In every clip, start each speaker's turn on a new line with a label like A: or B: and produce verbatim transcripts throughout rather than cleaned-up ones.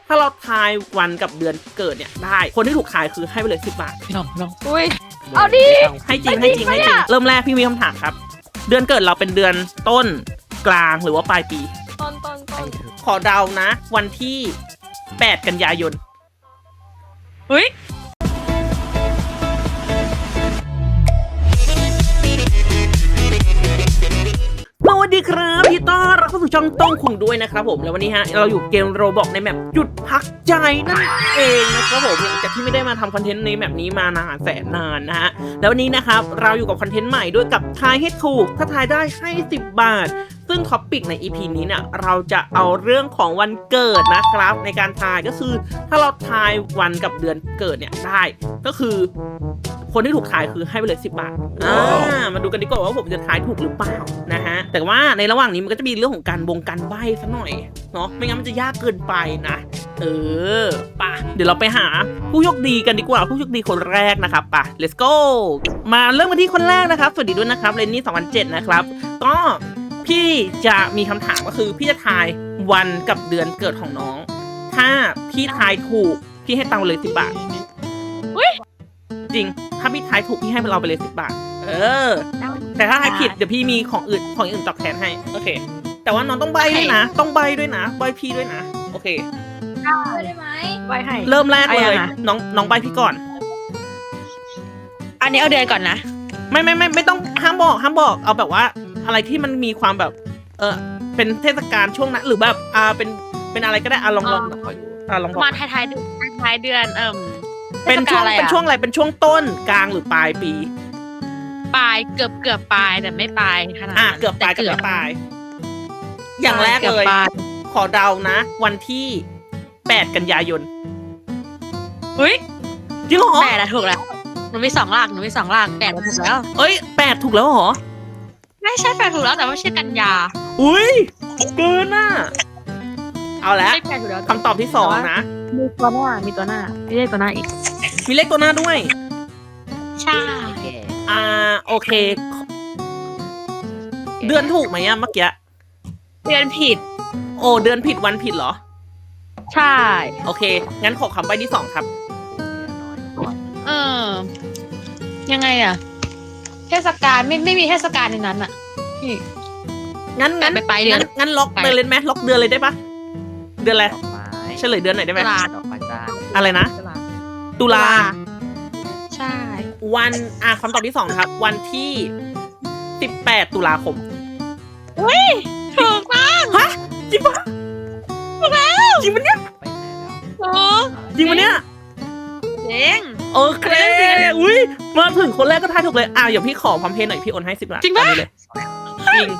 A: ถ้าเราทายวันกับเดือนเกิดเนี่ยได้คนที่ถูกทายคือให้ไปเลยสิบบาท
B: พี่น้องพี่น้อง
C: อุ้ยเอาดิ
A: ให้จริงให้จริงให้จริงเริ่มแรกพี่มีคำถามครับ เดือนเกิดเราเป็นเดือนต้นกลางหรือว่าปลายปี
C: ต้นต้นต้น
A: ขอเดานะ วันที่แปดกันยายน
C: เฮ้ย
A: สวัสดีครับพี่ต้อนรับเข้าสู่ช่องต้องคุงด้วยนะครับผมแล้ววันนี้ฮะเราอยู่เกมโรบอกในแมปหยุดพักใจนั่นเองนะครับผมหลังจากที่ไม่ได้มาทำคอนเทนต์ในแมปนี้มานานแสนนานนะฮะแล้ววันนี้นะครับเราอยู่กับคอนเทนต์ใหม่ด้วยกับทายให้ถูกถ้าทายได้ให้สิบบาทซึ่งท็อปปิกใน อี พี นี้เนี่ยเราจะเอาเรื่องของวันเกิดนะครับในการทายก็คือถ้าเราทายวันกับเดือนเกิดเนี่ยได้ก็คือคนที่ถูกทายคือให้ไปเลยสิบบาทอ่ามาดูกันดีกว่าว่าผมจะทายถูกหรือเปล่านะฮะแต่ว่าในระหว่างนี้มันก็จะมีเรื่องของการบงการใบ้ซะหน่อยเนาะไม่งั้นมันจะยากเกินไปนะเออป่ะเดี๋ยวเราไปหาผู้โชคดีกันดีกว่าผู้โชคดีคนแรกนะครับป่ะ let's go มาเริ่มกันที่คนแรกนะครับสวัสดีด้วยนะครับเรนนี่สองพันเจ็ดนะครับก็พี่จะมีคำถามก็คือพี่จะทายวันกับเดือนเกิดของน้องถ้าพี่ทายถูกพี่ให้ตังค์เลยสิบบาทจริงถ้าพี่ทายถูกพี่ให้เราไปเลยสิบบาทเออแต่ถ้าทายผิดเดี๋ยวพี่มีของอื่นของอื่นตอบแทนให้โอเคแต่ว่าน้องต้องใบด้วยนะต้องใบด้วยนะใบพี่ด้วยนะโอเค
C: ได้ไหมใบให้
A: เริ่มแรกเลยน้องน้องใบพี่ก่อน
C: อันนี้เอาเดือนก่อนนะ
A: ไม่ไม่ไม่ไม่ต้องห้ามบอกห้ามบอกเอาแบบว่าอะไรที่มันมีความแบบเออเป็นเทศกาลช่วงนั้นหรือแบบอ่าเป็นเป็นอะไรก็ได้อ่ะลองลองอ่ะลองบอก
C: มาท้ายๆเดือนท้ายเดือนเอิ่ม
A: เป็นช่วงเป็นช่วงอะไรเป็นช่วงต้นกลางหรือปลายปี
C: ปลายเกือบเกือบปลายแต่ไม่ปลายขนาด
A: อ่ะเกือบปลายกับไม่ปลายอย่างแรกเลยขอเดานะ วันที่แปดกันยายน
C: เฮ้ย
A: จริงเหรอ
C: แปดอะถูกแล้วหนูมีสองหลักหนูมีสองหลักแปดถูกแล้ว
A: เอ้ยแปดถูกแล้วเหรอ
C: ไม่ใช่แปดถูกแล้วแต่ว่าชื่อกันยา
A: อุ้ยเกินอ่ะเอาละ
C: ไม่แปดถูกแล้ว
A: คำตอบที่สองนะ
C: มีตัวหน้ามีตัวหน้ามีเลขตัวหน้าอีก
A: มีเลขตัวหน้าด้วย
C: ใช่
A: อ่าโอเค เดือนถูกไหมอะเมื่อกี้
C: เดือนผิด
A: โอ้เดือนผิดวันผิดเหรอ
C: ใช่
A: โอเคงั้นขอคำใบ้ที่สองครับ
C: เออยังไงอะเทศกาลไม่ไม่มีเทศกาลในนั้นอะพี่
A: งั้นงั้น
C: ไปไปเดือน
A: งั้นงั้นล็อกไปเลยไหมล็อกเดือนเลยได้ปะเดือนอะไรเฉลยเดือนไหนอยได้ไหม
C: ตุลา
B: ดอกไม้จ้า
A: อะไรนะตุลา
C: ใช่
A: วันอ่ะคำตอบที่สองนะครับ วันที่สิบแปดตุลาคม
C: อุ้ยถูกมาก
A: ฮะจริงปะ
C: ถูกแล้ว
A: จริงปะเนี่ย
B: ไปไหนแล้ว
C: ถูก
A: จริงปะเนี่ย
C: เจ๋ง
A: โอเคอุ้ยมาถึงคนแรกก็ทายถูกเลยอ่ะเดี๋ยวพี่ขอพร้อมเพย์หน่อยพี่โอนให้สิบบาท
C: จริงปะ
A: ตอนนี้เลยจริง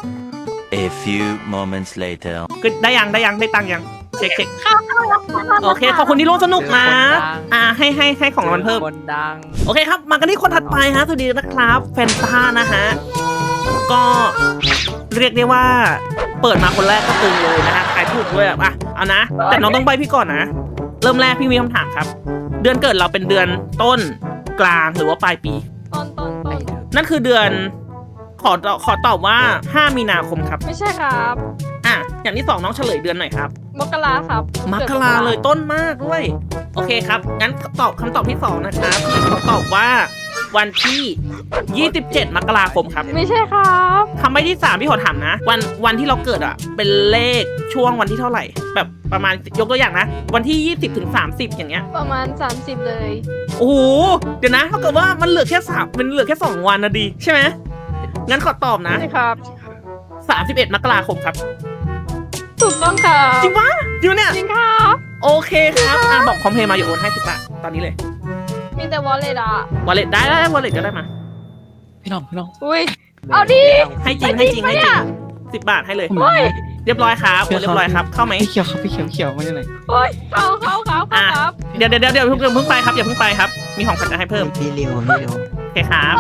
D: A few moments later
A: ก็ได้ยังได้ยังได้ตังค์ยังเช็คเช็ค
C: เข้าเข้าเข้าเข้า
A: โอเคขอบคุณที่ร่วมสนุกนะอ่าให้ให้ให้ของรางวัลเพิ่ม
B: คนดัง
A: โอเคครับมากันที่คนถัดไปฮะสวัสดีนะครับแฟนต้านะฮะก็เรียกได้ว่าเปิดมาคนแรกก็ตึงเลยนะฮะขายถูกด้วยอ่ะเอานะแต่น้องต้องใบพี่ก่อนนะเริ่มแรกพี่มีคำถามครับ เดือนเกิดเราเป็นเดือนต้นกลางหรือว่าปลายปี
C: ต้นต้นต้น
A: นั่นคือเดือนขอขอตอบว่าห้ามีนาคมครับ
C: ไม่ใช่ครับ
A: อ่ะอย่างที่สองน้องเฉลยเดือนหน่อยครับ
C: มกราครับ
A: มกราเลยต้นมากด้วยโอเคครับงั้นตอบคำตอบที่สองนะครับพี่ขอตอบว่าวันที่ยี่สิบเจ็ดมกราคมครับ
C: ไม่ใช่ครับ
A: คำใบ้ที่สามพี่ขอถามนะ วันวันที่เราเกิดอ่ะเป็นเลขช่วงวันที่เท่าไหร่ แบบประมาณยกตัวอย่างนะ วันที่ยี่สิบถึงสามสิบอย่างเงี้ย
C: ประมาณสามสิบเลย
A: โอ้โหเดี๋ยวนะเท่ากับว่ามันเหลือแค่สามมันเหลือแค่สองวันนะดีใช่ไหมงั้นขอตอบนะ
C: ใช่ครับ
A: สามสิบเอ็ดมกราคมครับ
C: ถูกต้องครับ
A: จริงปะจริงปะเนี่ย
C: จริงครับ
A: โอเคครับอ่ะบอกคอมเพลย์มาอย่าโอนให้สิบบาทตอนนี้เลย
C: มีแต่วอลเล็ตอะ
A: วอลเล็ตได้ได้วอลเล็ตก็ได้มา
B: พี่น้องพี่น้อง
C: อุ้ยเอาดิ
A: ให้จริงให้จริงให้จริงสิบบาทให้เลย
B: เฮ้ย
A: เรียบร้อยครับโอนเรียบร้อยครับเข้าไหม
B: พี่เขียวครับพี่เขียวเขียวมาจากไหน
C: โอ้ยเข้าเข้าเข้า
A: อ่ะ
C: ครับ
A: เดี๋ยวเดี๋ยวเดี๋ยวเดี๋ยวเพิ่งเพิ่งไปครับอย่าเพิ่งไปครับมีของขวัญจะให้เพิ่ม
D: พี่เร็วพี่เร็ว
A: โอเคครับ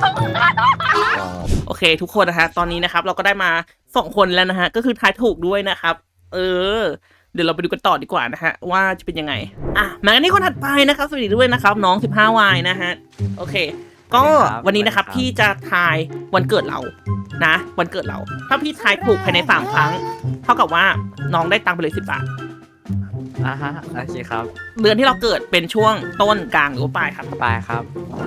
A: โอเคทุกคนนะฮะตอนนี้นะครับเราก็ได้มาสองคนแล้วนะฮะก็คือทายถูกด้วยนะครับ เออเดี๋ยวเราไปดูกันต่อดีกว่านะฮะว่าจะเป็นยังไงอ่ะมากันที่คนถัดไปนะครับสวัสดีด้วยนะครับน้องสิบห้าวายนะฮะโอเค ก็วันนี้นะครับพี่จะทายวันเกิดเรานะวันเกิดเราถ้าพี่ทายถูกภายในสามครั้งเท่ากับว่าน้องได้ตังค์ไปเลยสิบบาท
B: อ่าฮะโอเคครับ
A: เดือนที่เราเกิดเป็นช่วงต้นกลางหรือว่าปลายครับ
B: ไปครับ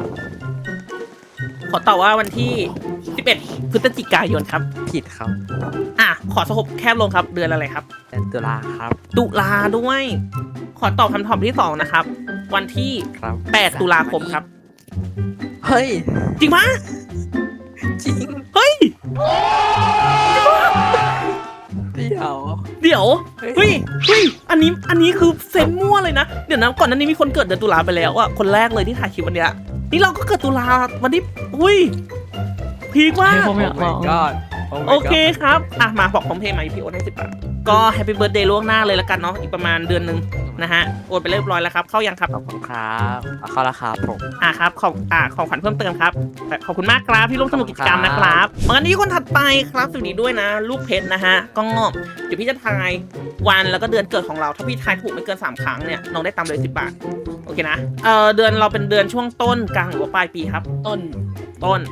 A: ขอตอบว่าวันที่สิบเอ็ดพฤศจิกายนครับ
B: ผิดครับ
A: อ่ะขอสกบแคบลงครับเดือนอะไรครับ
B: เดือนตุลาครับ
A: ตุลาด้วย ขอตอบคำตอบที่สองนะครับ วันที่
B: ครับ
A: แปดตุลาคมครับ
B: เฮ้ย
A: จริงปะ
B: จริง
A: เฮ้ย
B: เดี๋ยว
A: เดี๋ยว เฮ้ย เฮ้ย อันนี้ อันนี้คือเซนมั่วเลยนะ เดี๋ยวนะ ก่อนหนั้านนี้มีคนเกิดเดือนตุลาไปแล้วอะคนแรกเลยที่ถ่ายคลิปวันเนี้ย นี่เราก็เกิดตุลาวันที่อุ้ย พีคมาก
B: ผมอยากลองก็
A: โอเคครับ อ่ะ มาบอกพร้อมเพย์มาพี่โอนให้สิบบาท ก็แฮปปี้เบิร์ดเดย์ล่วงหน้าเลยละกันเนาะ อีกประมาณเดือนหนึ่งนะฮะ โอนไปเรียบร้อยแล้วครับ เข้ายังครับ
B: ขอบคุณครับเอาเข้าราคาผม
A: อ่ะครับ ของอ่าของขวัญเพิ่มเติมครับ ขอบคุณมากครับพี่ร่วมสนุกกิจกรรมนะครับมากันที่คนถัดไปครับสวัสดีด้วยนะ ลูกเพชรนะฮะ ก็เดี๋ยวพี่จะทายวันแล้วก็เดือนเกิดของเรา ถ้าพี่ทายถูกไม่เกินสามครั้งเนี่ย น้องได้ตามเลยสิบบาท โอเคนะ เอ่อ เดือนเราเป็นเดือนช่วงต้นกลางหรือว่าปลายปีครับ
C: ต้น
A: ต้น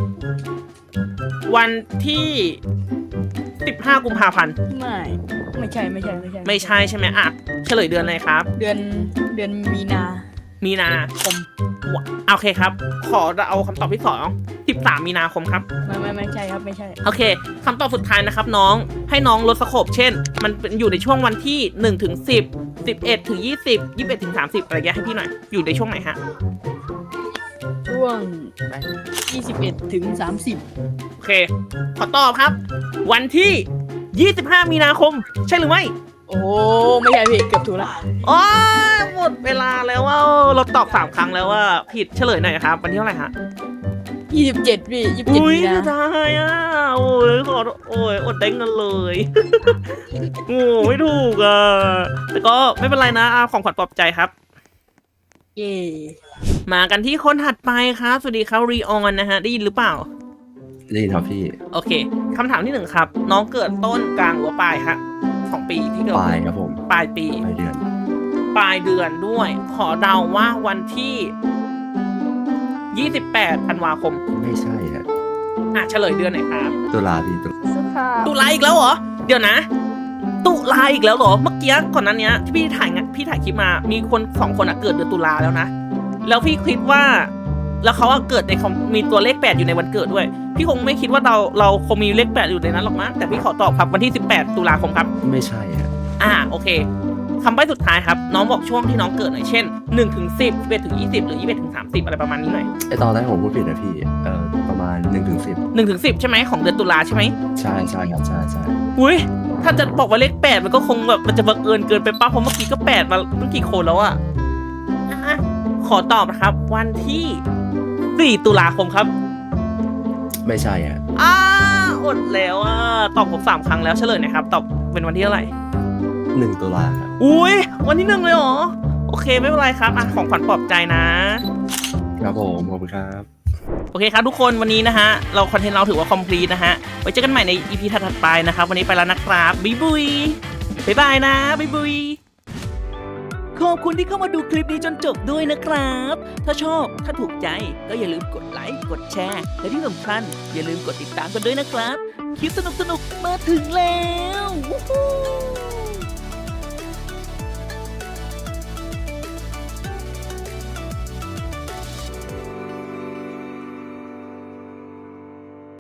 A: วันที่สิบห้ากุมภาพันธ์
E: ไม่ไม่ใช่ไม่ใช่ไม่ใช่
A: ไม่ใช่ใช่ไหมอ่ะเฉลยเดือนอะไรครับ
E: เดือนเดือนมีนา
A: มีนาคมวะโอเคครับ ขอเอาคำตอบที่สองสิบสามมีนาคมครับ
E: ไม่ไม่ไม่ใช่ครับไม่ใช่
A: โอเคคำตอบสุดท้ายนะครับน้องให้น้องลดสโคปเช่น มันเป็นอยู่ในช่วงวันที่หนึ่งถึงสิบ สิบเอ็ดถึงยี่สิบ ยี่สิบเอ็ดถึงสามสิบอะไรเงี้ยให้พี่หน่อยอยู่ในช่วงไหนฮะ
E: ช่วงยี่สิบเอ็ดถึงสามสิบ
A: โอเค ขอตอบครับ วันที่ยี่สิบห้ามีนาคม ใช่หรือไม่
E: โอ้ไม่ใช่พี่เกือบถูกละ
A: โอ้ยหมดเวลาแล้วว่าเราตอบสามครั้งแล้วว่าผิดเฉลยหน่อยครับวันที่เท่าไหร่ฮะ
E: ยี่สิบเจ็ดพี่ยี่สิบเจ็ด
A: อุ้ย
E: มีนา
A: จะได้อ่ะโอ้ยขอโอ้ยอดเด้งกันเลย โอ้ไม่ถูกอ่ะแต่ก็ไม่เป็นไรนะอ่ะของขวัญปลอบใจครับ
E: เย่
A: มากันที่คนถัดไปครับ สวัสดีครับรีออนนะฮะ ได้ยินหรือเปล่า
F: ได้ยินครับพี่
A: โอเคคำถามที่หนึ่งครับ น้องเกิดต้นกลางหรือว่าปลายครับของปีที่เกิด
F: ปลายครับผม
A: ปลายปี
F: ปลายเดือน
A: ปลายเดือนด้วย ขอเดาว่าวันที่ยี่สิบแปดธันวาคม
F: ไม่ใช่ฮะ
A: อ่ะเฉลยเดือนไหนครับ
F: ตุลาพี่ตุลา
E: สุขา
A: ตุลาอีกแล้วเหรอ เดี๋ยวนะ ตุลาอีกแล้วเหรอ เมื่อกี้ก่อนนั้นเนี้ยที่พี่ถ่ายงานพี่ถ่ายคลิปมา มีคนสองคนอะเกิดเดือนตุลาแล้วนะ แล้วพี่คิดว่า แล้วเขาอะเกิดในคอมมีตัวเลขแปดอยู่ในวันเกิดด้วย พี่คงไม่คิดว่าเราเราคงมีเลขแปดอยู่ในนั้นหรอกมั้งแต่พี่ขอตอบครับวันที่สิบแปดตุลาคมครับ
F: ไม่ใช่ฮะ
A: อ่าโอเคคำใบ้สุดท้ายครับ น้องบอกช่วงที่น้องเกิดหน่อยเช่นหนึ่งถึงสิบ สิบเอ็ดถึงยี่สิบหรือยี่สิบเอ็ดถึงสามสิบอะไรประมาณนี้หน่อย
F: ไอตอนแรกผมพูดผิดนะพี่ เอ่อ ประมาณหนึ่งถึงสิบ
A: หนึ่งถึงสิบใช่ไหมของเดือนตุลาใช่ไหม
F: ใช่ใช่ครับ ใช่ใช่
A: อุ้ยถ้าจะบอกว่าเลขแปดมันก็คงแบบมันจะบังเอิญเกินไปป้าเพราะเมื่อกี้ก็แปดมาตั้งกี่คนแล้วอะอ่ะขอตอบนะครับ วันที่สี่ตุลาคมครับ
F: ไม่ใช่ฮะ
A: อ้าอดแล้วอ่ะตอบผมสามครั้งแล้วเฉลยหนะครับตอบเป็นวันที่เท่าไหร่
F: หนึ่งตุลาครับ
A: อุ้ยวันที่หนึ่งเลยเหรอโอเคไม่เป็นไรครับอ่ะของขวัญปลอบใจนะ
F: ครับผมขอบคุณครับ
A: โอเคครับทุกคนวันนี้นะฮะเราคอนเทนต์เราถือว่าคอมพลีทนะฮะไว้เจอกันใหม่ใน อี พี ถัดๆไปนะครับวันนี้ไปแล้วนะครับบ๊ายบุยบ๊ายบายนะบ๊ายบุยขอบคุณที่เข้ามาดูคลิปนี้จนจบด้วยนะครับ ถ้าชอบถ้าถูกใจก็อย่าลืมกดไลค์กดแชร์และที่สำคัญอย่าลืมกดติดตามกันด้วยนะครับคลิปสนุกๆมาถึงแล้ววู้ฮู้